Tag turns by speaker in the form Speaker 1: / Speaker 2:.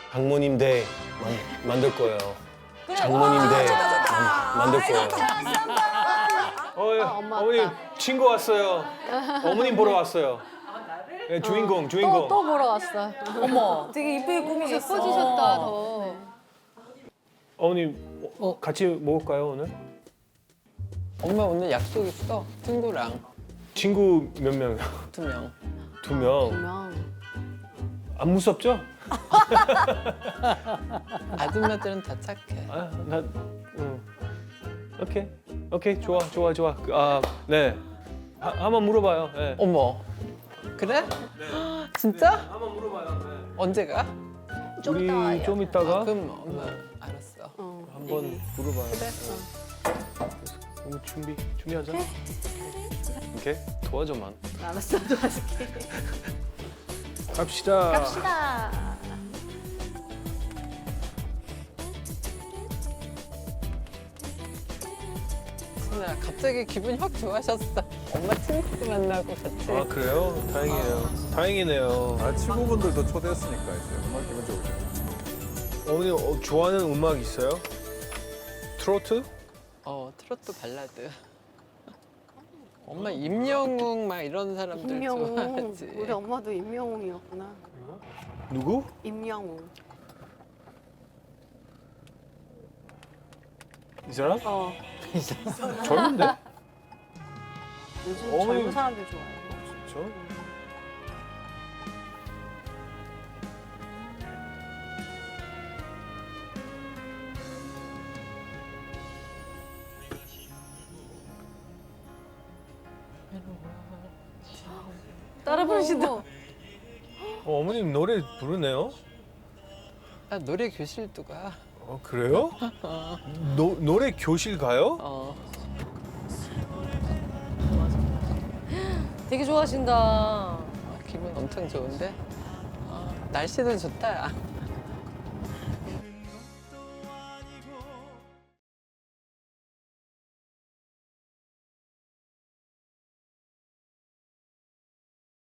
Speaker 1: 장모님 대 만들 거예요. 장모님 대 만들 거예요. 어머님 친구 왔어요. 어머님 보러 왔어요. 네, 주인공.
Speaker 2: 또 보러 왔어.
Speaker 3: 어머, 되게 이쁘게 꾸미셨어.
Speaker 2: 예뻐지셨다 더.
Speaker 1: 어머님 같이 먹을까요 오늘?
Speaker 4: 엄마 오늘 약속 있어. 친구랑
Speaker 1: 친구 몇 명?
Speaker 4: 2명.
Speaker 1: 2명.
Speaker 2: 분명.
Speaker 1: 안 무섭죠?
Speaker 4: 아줌마들은 다 착해.
Speaker 1: 오케이 좋아. 네. 한번 물어봐요. 네.
Speaker 4: 어머, 그래? 진짜?
Speaker 1: 한번 물어봐요. 네.
Speaker 4: 언제 가?
Speaker 2: 좀 이따 와요.
Speaker 1: 우리 좀 이따가
Speaker 4: 그럼 엄마 알았어.
Speaker 1: 한번 물어봐요.
Speaker 4: 그래.
Speaker 1: 그럼 준비하자. 오케이 도와줘만.
Speaker 2: 알았어, 도와줄게.
Speaker 1: 갑시다.
Speaker 2: 갑시다.
Speaker 4: 진아 갑자기 기분이 확 좋아졌어. 엄마 친구 만나고 같이.
Speaker 1: 아 그래요? 다행이네요.
Speaker 5: 아, 친구분들도 초대했으니까 이제 정말 기분 좋으죠.
Speaker 1: 어머니 좋아하는 음악 있어요? 트로트?
Speaker 4: 트로트 발라드. 엄마 임영웅 막 이런 사람들
Speaker 2: 임영웅.
Speaker 4: 좋아하지.
Speaker 2: 우리 엄마도 임영웅이었구나.
Speaker 1: 누구?
Speaker 2: 임영웅.
Speaker 1: 이 사람? 젊은데?
Speaker 2: 요즘
Speaker 1: 어머니.
Speaker 2: 젊은 사람들 좋아해요.
Speaker 1: 저?
Speaker 2: 따라 부르신다.
Speaker 1: 어머님 노래 부르네요?
Speaker 4: 나 노래 교실도 가.
Speaker 1: 그래요? 노래 교실 가요?
Speaker 2: 되게 좋아하신다.
Speaker 4: 기분 엄청 좋은데? 날씨도 좋다. 야.